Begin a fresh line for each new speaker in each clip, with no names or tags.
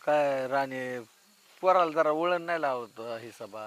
काय राणे पोराला जरा वळण नाही लावत हिसाबात.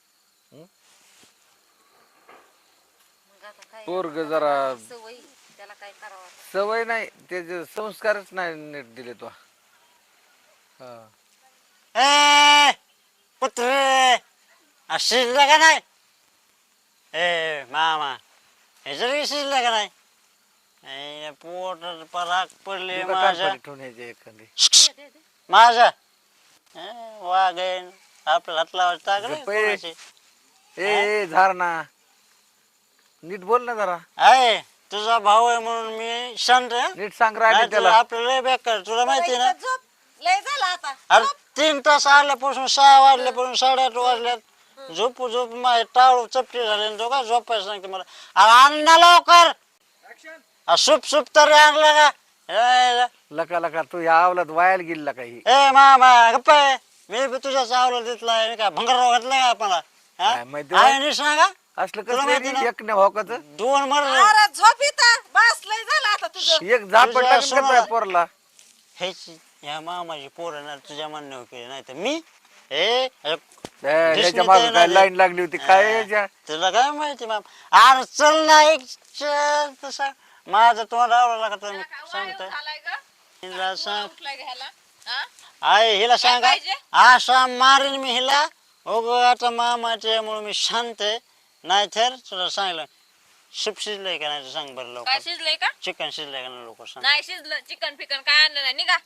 मग आता काय
पोरग
त्याला
जरा
लागली सवय त्याला काय करावं आता.
सवय नाही त्याचे संस्कारच नाही नीट दिले तो. हा
ए पुत्र शिजलं का नाही? ए मामा हे जरी शिजलं का नाही? पोट पराक पडले
तुका
माझ्या
कानपडी ठेवून यायचे एखादी.
दे.
माझ्या वागेन आपल्या हात लावायचं टाकले
गप्प आहे.
कोणाचे.
ए झार ना नीट बोल ना जरा.
आहे तुझा भाऊ आहे म्हणून मी शांत आहे.
नीट सांग राणे
नाही तर
त्याला.
आपल्याला लय बेकार तुला माहिती आहे ना.
इथं झोप लय झाला आता.
अरे 3 तास आल्यापासून 6 वाजल्यापासून 8:30 वाजल्यात झोपू झोप माझे टाळू चपटी झाले तो का झोपायला सांगते मला. अरे आण ना लवकर. सूप सूप तरी आणलं का?
लका लका तू ह्या आवलात वायाला गेला काही.
ए मामा गप्प आहे. मी बी तुझ्या चावला देतला का भंगार घातला का आपल्याला
काय माहिती बा?
आहे नी सांगा
असलं
तुला माहिती
कसं
ना?
एक नाही होकाच.
2 मरले
अरे झोप इथं बस लय झालं आता तुझं.
एक झापड
तुझ्या
लागेल का
सोनाला-
तुझ्या पोरला.
हेच या मामाची पोरं ना तुझ्या म्हणणं केले नाही तर मी हे
त्याच्या मागे काय लाईन लागली होती काय याच्या.
तुला काय माहिती माम अरे चल ना एक चल तसा माझं तोंड आवडला का तर मी सांगतोय हिला सांग आहे हिला सांगा असा मारीन मी हिला आता मामाच्या मुळे मी शांत आहे. नाही तर तुला सांगलं सूप शिजलंय का नाही ते सांग बरं
काय
लवकर.
शिजलंय का?
चिकन शिजलंय का नाही लवकर सांग.
नाही शिजलं. चिकन फिकन काय आणलं नाही निघा.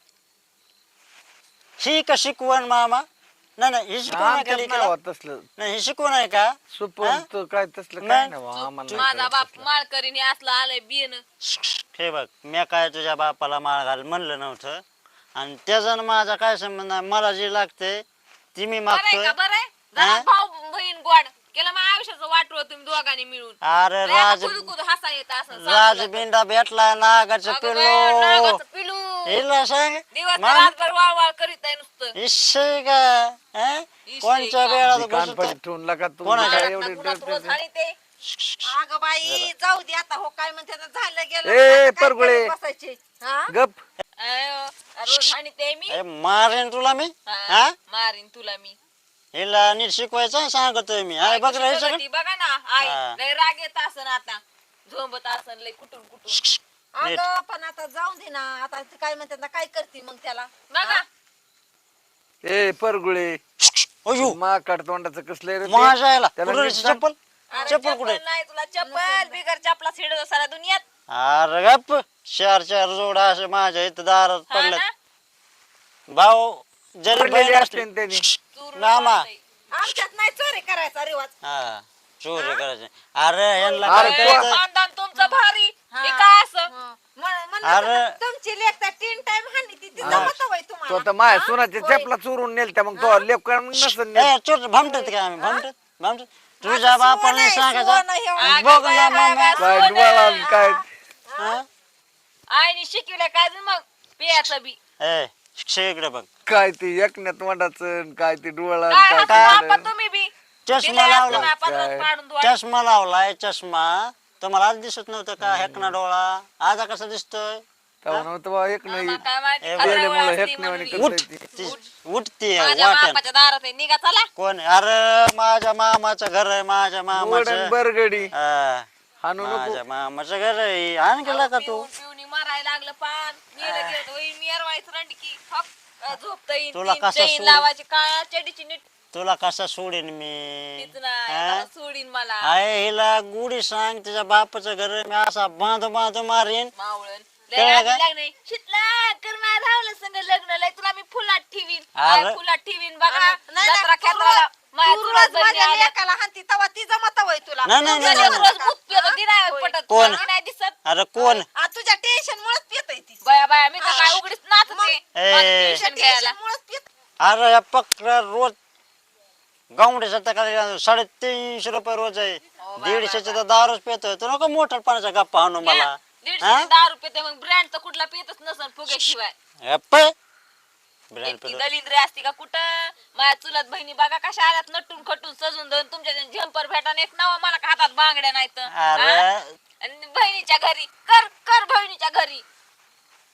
ही का शिकवण मामा? नाही नाही ही शिकवण आहे का
आमच्यात नाही
लेकीला?
होत तसलं
नाही ही शिकवण आहे का?
सुपन तो काय तसलं काय नाही बा, आम्हाला नाही
माझा
कळत
बाप
तसलं.
माळकरीने असलं आलंय बियन.
हे बघ मी काय तुझ्या बापाला माळ घाल म्हणलं नव्हतं आणि त्याचा माझा काय संबंध आहे. मला जे लागते ती मी
बरंय
मागतोय.
का बरंय?
हा?
जरा भाऊ बहीण गोड केलं मग आयुष्याचं वाटवं तुम्ही दोघांनी मिळून.
अरे
लय आता
राज
कुदकुद हसा येत असं
राजबिंडा भेटला नागाचं पिल्लो
पिलू
हिला सांग
दिवस
मान-
रातभर वाळ करीत आहे नुसतं.
इश्शे का हं? कोणच्या
ती
वेळात
कानपडी ठेवून लका तू
कोणाच्या-
काय एवढी
उन्हात रोज हाणी ते.
अगं बाई जाऊ दे आता हो काय म्हणते आता झालं गेलं.
ए,
आता काय
परगुळे.
करत बसायचे हा?
गप.
अयो, रोज हाणी ते मी.
मारेन तुला मी
हा,
हा
मारीन तुला मी.
हिला नीट शिकवायचं सांगतोय मी आहे बघ रे हे सगळं.
ती बघा ना आई
हा.
लय राग येत असन आता झोंबत असन लय कुठून कुठून.
अगं पण आता जाऊ दे ना आता ते काय म्हणतात ना काय करते मग त्याला.
बघा
ए परगुळे
अयो
माकड तोंडाचं कसलं रे ते?
माझ्या याला
त्याला
कुठं
नीट
रे
सांग.
चप्पल
अरे
चप्पल कुठे
नाही तुला चप्पल बिगर चपला सिडत सारा दुनियात.
अरे गप्प 4 जोडा असे माझ्या इथं दारात
हा
पडल्यात
ना?
भाऊ जरी
पडलेली
बहीण असली
असते ना त्यांनी.
चूर
मामा.
वाजतंय.
आमच्यात नाही चोरी करायचा रिवाज.
हा चोरी करायचे अरे यांना
अरे
काय
तो-
कळतं?
खानदान तुमचं भारी.
हा.
हे काय असं?
हं. म्हणलं
अरे.
तर तुमची लेख तर 3 टाइम हानी ती
हा.
जमत होय
तो
तुम्हाला.
तर माझ्या
हा?
सुनाच्या
होय.
चपला चोरून नेलत्या मग तो लेप नसन नेल.
ए चोर भामटत का आम्ही भामटत तुझ्या
आता
बापाने
सोनं आहे,
सांगायचं
सोनं हे
अगं
बघ
बाया,
ना
बाया,
मामा
बाया.
काय डोळा काय
हा?
आईने शिकवलं काय जण मग पियाचं बी.
ए शिक्षक इकडे बघ
काय ते एकण्यात तोंडाचं काय ते डोळा
काय
काय
हसू
काय
बापा तुम्ही बी.
चष्मा
दिलंय
लावला
असलं ना, पदरात
काय?
पाडून धुवायला.
चष्मा लावलाय चष्मा तुम्हाला आज दिसत नव्हतं का हेकना डोळा आता कसा दिसतोय
तेव्हा नव्हतं बा एक नाही
आम्हाला काय माहिती
ए,
खरं
वेळेमुळं
असती
हेक नाही
म्हणून.
म्हणे
उठ
करता येते.
उठती
माझ्या
वाटण
बापाच्या दारात आहे. निघा चला.
कोण आहे? अरे माझ्या मामाचं घर आहे माझ्या
वडण
मामाचं
बरगडी
हा,
हाणू नको.
माझ्या मामाचं घर आहे आण गेला का तू
पिऊन पिऊन मारायला लागलं पान. गेलं गेलं वही मिरवायचं रंडकी. हप, झोपता येईन.
तुला
तीन
कसा
चैन
सूड?
लावायची काय चडीची नीट
तुला कसा सोडीन मी
तीच नाही.
हा?
मला सोडीन मला
आहे हिला गुढी सांग तिच्या बापाचं घर आहे, मी असा बांधू बांधू मारीन
मावळण.
कळलं
लय
का?
लागले शितला कर माझ्या धावलं संग लग्न लय तुला मी फुलात ठेवीन.
अरे.
काय फुलात ठेवीन बघा.
नाही,
जत्रा
नाही,
खेत्राला माझ्या
तू
चुलत
रोज
बहिणी
माझ्या
आल्या.
लेकाला हाणती तेव्हा ती जमत होय तुला.
नाही, नाही,
तू
नाही,
गेली
नाही.
रोज
होती
भूत
का?
पितो ती नाही
होय.
पटत.
कोण?
तुला नाही दिसत.
अरे कोण
आ, तुझ्या टेन्शन मुळेच पितय ती.
बया बया मी तर काय उघडीच नाचते.
ए.
माझं ट्युशन घ्यायला.
टेन्शन मुळेच पित.
अरे या पक्र रोज गावड्याच्या तक्रारी 350 रुपये रोज आहे
हो,
150चे तर दारूच पेतोय तू नको मोठ्या पाण्याचा गप्पा आणू मला
घ्या. 150 दारू पिते मग ब्रँड तर कुठला पितच नसन फुग्याशिवाय.
गप्प. ब्रँड
इतकी
पेतो
दलिंद्री असती का कुठं. माझ्या चुलत बहिणी बघा कशा आल्यात नटून खटून सजून धरून तुमच्या झंपर भेटा एक नाव मला का हातात बांगड्या नाहीत.
अरे
आणि बहिणीच्या घरी कर कर बहिणीच्या घरी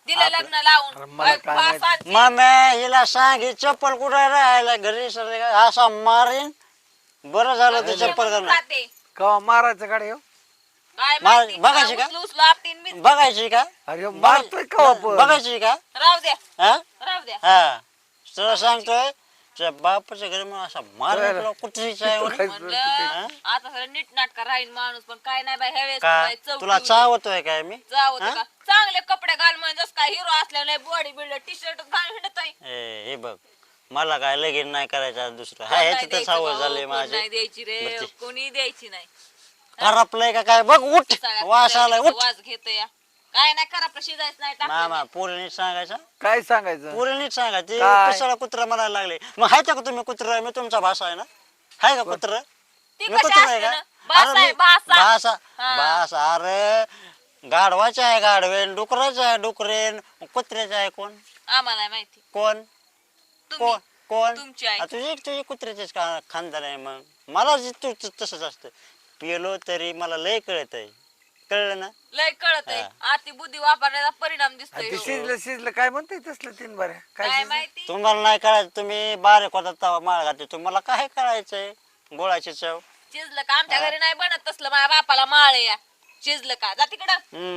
दिलं लग्न लावून
अरे मला काय माहित.
पाच-सात
मम्मी हिला सांग ही चप्पल कुठे राहायला घरी सर असा मारीन. बरं झालं ते चप्पल
दिवस
घालून.
राहते.
कवा मारायचं गाडी हो?
काय
मा-
माहिती?
बघायची का?
उचलू आपटीन मी.
बघायची का
अरे मारतोय कवा पण
बघायची का
राहू द्या
हा
राहू द्या.
हा तुला सांगतोय तुझ्या बापाच्या घरी मग असा मार कुत्रीचा आहे म्हणे.
म्हणलं आता सगळं नीट नाटका राहील माणूस पण काय नाही बाई ह्या वेळेस
का
बाई चौकी
तुला
उडली.
चावतोय काय मी
जाऊ दे
हा?
का चांगले कपडे घाल म्हणजे जसं काय हिरो असल्या नाही बॉडी बिल्डर टी शर्ट घालून हिंडत आहे.
हे बघ मला काय लगीन नाही करायचं आज दुसरं हा ह्याची तर सावड झाली माझी
नाही द्यायची रे
बरं ते.
कोणी द्यायची नाही.
करपलंय का काय बघ उठ
सगळ्या
वास आलाय उठ
वाज घेत या काय नाही करा आपलं शिजायचं नाही टाकलं
मामा
नाही.
पोरी नीट सांगायचं
काय सांगायचं
पोरी नीट सांगायची
काय?
पिसाळा कुत्रा म्हणायला लागले मग हाय का तुम्ही कुत्रा मी तुमचा भाषा आहे ना हाय का कुत्र
ती
मी
कशी
कुत्रा
असते
आहे का
ना? भाषा आहे, भाषा.
भाषा
हा.
भाषा अरे गाढवाचा आहे गाढवेन डुकराचा आहे डुकरेन कुत्र्याचा आहे कोण
आम्हाला नाही माहिती
कोण
तुम्ही
कोण कोण
तुमची आई.
आ, तुझी कुत्र्याचेच खानदार आहे मग मला तसंच असतं पिलो तरी मला लय कळत आहे कळलं ना
लय कळत आहे
हा.
आती बुद्धी वापरण्याचा परिणाम दिसतोय
आणि ते
हो.
शिजलं शिजलं काय म्हणते तसलं तीन बऱ्या काय
काय
शिजलं?
माहिती
तुम्हाला नाही कळायचं तुम्ही बारीक होता तवा माळ घालते तुम्हाला काय करायचंय गोळाची चव
शिजलं का आमच्या घरी नाही बनत तसलं माझ्या बापाला माळ या शिजलं का जा तिकडं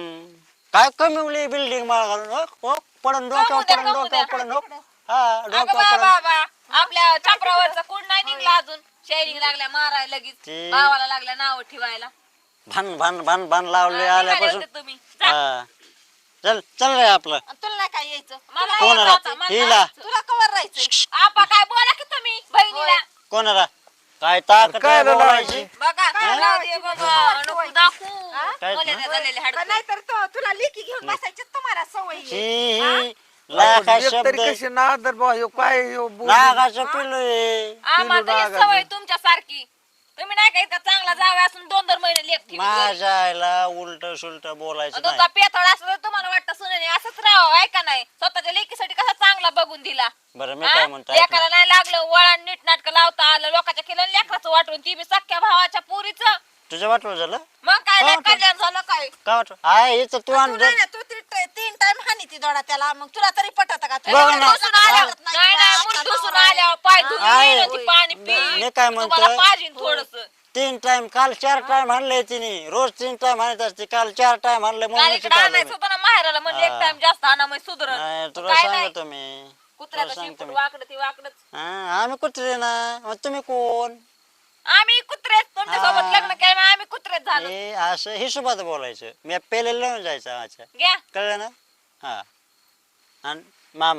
काय कमी उली बिल्डिंग माळ घालून हो पडन डोक्यावर
द्या,
पडन
कमवू
डोक्यावर
द्या.
पडन हो हा
अगं
डोक्यावर
बा
पडन
बाबा आपल्या छापरावरचा कोण नाही निघला अजून शेअरिंग लागल्या मारायला लगेच
ते-
भावाला लागल्या नाव ठेवायला
भान भान भान भान लावले
निघाले
आल्यापासून
होते तुम्ही जा.
हा चल चल रे आपलं
आणि तुला नाही काय यायचं
मला
कोण
यायचं
आला?
आता, मला
हिला.
जायचं.
तुला कवर राहायचंय
आपा काय बोला की तुम्ही बहिणीला
कोणाला काय ताकद
काय
आहे
लावायची?
बोलायची
बघा
काय
लावू दे बाबा नको दाखवू
काय?
मला नाही झालेले हाडकं.
नाहीतर तुला लेकी घेऊन बसायची तुम्हाला सवय आहे.
ही लाखा
एक
शब्द
तरी कशी नादर बा ह्यो काय ह्यो बोल-
नागाचं पिलू आहे
आम्हाला तर ही
लागायचं.
सवय तुमच्या सारखी तुम्ही नाही का इतका चांगला जावा असून 2-2 महिने लेख ठेवी घरी.
माझ्या आईला उलट सुलट बोलायचं
आणि
नाही
तुमचा पेथळ असं तर तुम्हाला वाटतं सुनेने असंच राहावं आहे का नाही स्वतःच्या लेकीसाठी कसा चांगला बघून दिला
बरं मी
हा?
काय म्हणतो ऐक ना.
लेकाला नाही लागलं वळण नीट नाटक लावता आलं लोकांच्या केलं लेकराचं वाटून ती बी सख्या भावाच्या पोरीचं
तुझं वाटलं झालं
मग काय
हो,
लय
हो.
कल्याण झालं काय
काय वाटलं आहे हिचं तू
तू
आण
नाही ना, तू 3 टाइम हानी ती दोडा त्याला मग तुला तरी पटत का
बघ ना.
ढुसून आल्यावर नाही नाही मूठ ढुसून आल्यावर पाय धुवून
आहे.
येईन ती पाणी
मी
पी
काय म्हणतोय?
तुम्हाला पाहिजे थोडस
3 टाइम काल 4 टाइम आणले तिने रोज 3 टाइम आणत असते काल 4 टाइम आणले म्हणून
इकडे आणायचं होतं ना माहेराला म्हणलं एक
हा.
टाइम जास्त आणा मग सुधरण
नाही तुला
काय नाही
सांगतो मी
कुत्र्याचं
तुला सांगतो
शिपूट
मी.
वाकडं ती वाकडच
हा, आम्ही कुत्रे ना मग तुम्ही कोण
आम्ही कुत्रेच तुमच्या
हा.
सोबत लग्न केलं आम्ही कुत्रेच झालो
हे असं हिशोबात बोलायचं मी पेलेलं लावून जायचं माझ्या
घ्या
कळलं ना हा आणि मामा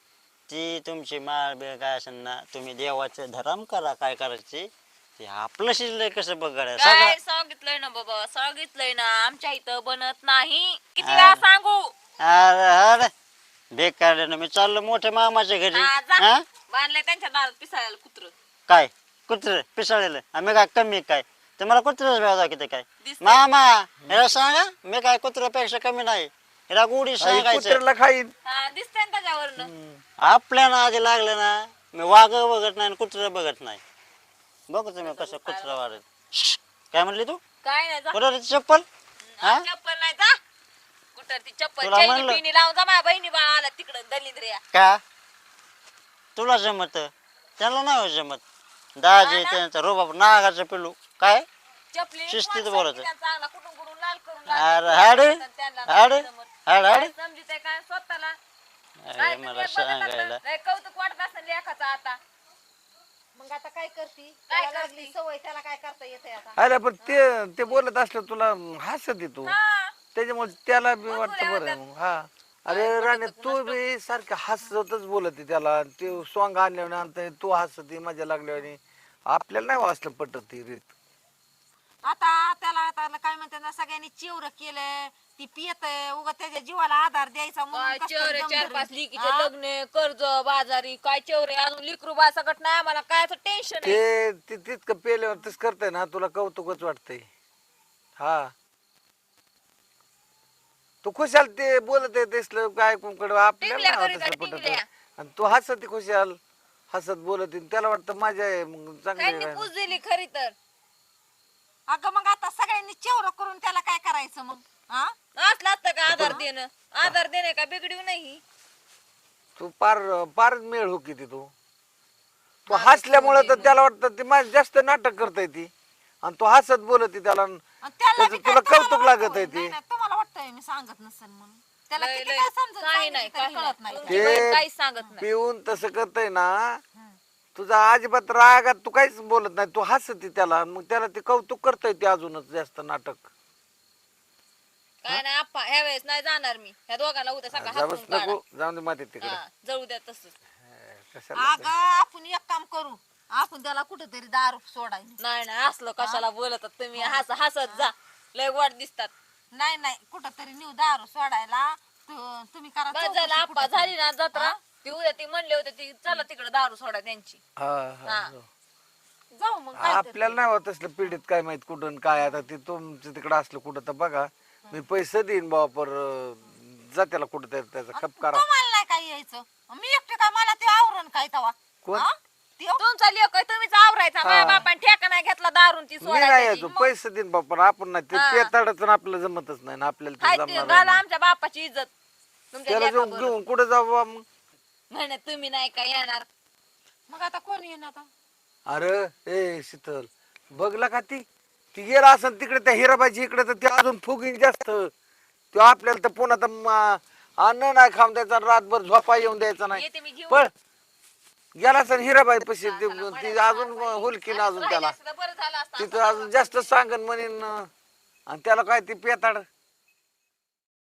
ती तुमची माळ बिळ काय असेल ना तुम्ही देवाचं धरम करा काय करायची ते आपलं शिजलंय कसं बघायला
काय
सगळं
सांगितलंय ना बाबा सांगितलंय ना आमच्या इथं बनत नाही किती
हा.
वेळा सांगू
अरे अरे बेकार ना मी चाललो मोठ्या मामाच्या घरी
हा, जा.
हा
बांधलंय त्यांच्या दारात पिसाळ्याला कुत्र
काय कुत्र पिसाळलेलं आम्ही काय कमी काय तुम्हाला कुत्रच व्याजा किती काय
दिसतंय.
मामा याला सांगा मी काय कुत्र्यापेक्षा कमी नाही याला गोडी
आई
सांगायचं
कुत्र्याला खाईन
हा दिसतंय ना त्याच्यावरनं
आपल्याला आधी लागलं ना मी वाघ बघत नाही कुत्र बघत नाही बघू तुम्ही कसं कुत्र वाढत काय म्हणली तू
काय नाही जा
कुठं रे ती चप्पल हा?
चप्पल नाही जा कुठं ती चप्पल
तुला
चैनी
म्हणलं.
पिनी लावून जा माझ्या बहिणी बाळा आला तिकडं दलिंद्रिया
का तुला जमत त्याला नाही हो जमत दाजी
हा ना?
त्यांचा रोबाब नागाचं पिलू काय
चपली
शिस्तीत
कोण
बोलायचं.
सांगितलं चांगला कुठून कुठून लाल करून
अरे हाड
त्यांना
हाड
नाही जमत.
हाड हाड
काय समजित आहे काय स्वतःला
अरे
काय
मला
तुम्ही बघत असता,
सांगायला
लय कौतुक वाटत असेल लेखाचं आता
मग आता काय करती
काय
त्याला लागली
करती?
सवय त्याला काय करता येते आता
अरे पण ते बोलत असलं तुला हसत येतो
हा
त्याच्यामुळे त्याला बी
मग
वाटतं
बोलावं
बरं मग. हा अरे राणे तू बी सारखं हसतच बोलत आहे त्याला ते सॉंग आणल्याने आणता तू हसत मजा लागल्याने आपल्याला नाही वाचलं पटत ती रीत
आता त्याला आता काय म्हणतात ना सगळ्यांनी चिवर केलं ती पियत उगा त्याच्या जीवाला आधार द्यायचा म्हणून
काय
कसं
चेवरे
दम
4-5
धरून.
लिकीचे
हा?
लग्न कर्ज बाजारी काय चेवरे अजून लिकरू बा सकट नाही आम्हाला काय टेन्शन आहे
ते तितकं पेल्यावर तस करतंय ना तुला कौतुकच वाटतंय हा तू खुशाल ते बोलत आहे तेसलं काय कुंकड आपल्याला
टिंगल्या
नाही
करीत
वाटत
आहे,
पटत
टिंगल्या.
आणि तू हसत खुशाल हसत बोलत आहे. त्याला वाटतं मजा आहे मग चांगलं
त्यांनी
आहे.
पूज दिली खरी तर
अगं मग आता सगळ्यांनी चिवर करून त्याला काय करायचं मग हा
असलं असतं का आधार देणं? आधार देणे का बिघडीव नाही.
तू पारच मेळ हो किती तू हसल्यामुळे तर त्याला वाटतं ती माझी जास्त नाटक करताय ती आणि तू हसत बोलत त्याला
आणि त्याला
त्याचं
बी काय
तुला
तुम्हाला
कौतुक लागत
वाटतंय?
आहे ते
नाही, नाही, तुम्हाला वाटतंय मी सांगत नसेल म्हणून त्याला
लय-
किती
लय-
काय समजून
काही
सांगितलं
नाही
तरी
काही
कळत
नाही
नाही
तुमची बहीण काहीच सांगत नाही.
पिऊन तसं करतय ना तुझा अजिबात रागात तू काहीच बोलत नाही तू हसती त्याला मग त्याला ते कौतुक करतय ते अजूनच जास्त नाटक
काय नाही आप्पा ह्या वेळेस नाही जाणार मी. ह्या दोघांना उद्या सकाळ
जाऊस
हाकलून काढा.
नको जाऊन दे माती तिकडे
हा, जळू द्या तसंच.
कशाला
अगं आपण एक काम करू आपण त्याला कुठेतरी दारू सोडायला
नाही नाही असलं कशाला बोलतात तुम्ही. हसत जा लय वाट दिसतात.
नाही नाही कुठेतरी नेऊ दारू सोडायला तुम्ही करा
बस
चौकशी
झालं आप्पा
कुठेतरी.
झाली ना जत्रा ती उद्या ती म्हणले होते ती चला तिकडे दारू सोडा त्यांची.
हा, हा,
हा.
जाऊ.
जाऊ मग काय
आपल्याला नाही होत असलं पीडित काय माहित कुठून काय आता ते तुमचं तिकडं असलं कुठं तर बघा मी पैसे देईन बाबा पर जा त्याला कुठं तरी त्याचा खप करा
तुम्हाला नाही काय यायचं मी एकटे काय मला ते आवरण काय तवा
कोण?
हा? ते
तुमचा लेख तुम्हीच आवरायचा. माझ्या बापाने ठेका नाही घेतला दारून ती
मी नाही
सोडायची.
यायचो पैसे देईन बाबा पण आपण नाही ते पेताडच आपल्याला जमतच नाही ना आपल्याला ते
हाय ते
जमणार
घाला
नाही.
आमच्या बापाची इज्जत तुमच्या
त्याला जाऊन
लेकाबरोबर.
घेऊन कुठं जाऊ बाबा मग
म्हणे तुम्ही नाही काय येणार.
मग आता कोण येईन आता
अरे ए शीतल बघला का ती ती गेला असं तिकडे त्या हिराबाईची इकडे तर ते अजून फुगीन जास्त तो आपल्याला तर पुन्हा तर अन्न नाही खाऊन द्यायचा रातभर झोपा येऊन द्यायचा नाही
येते मी घेऊन.
पण गेला सर हिराबाई पशी ती अजून हुलकीन अजून त्याला
असतं तर बरं झालं असतं.
तिथं अजून जास्त सांगन म्हणेन आणि त्याला काय ती पेताड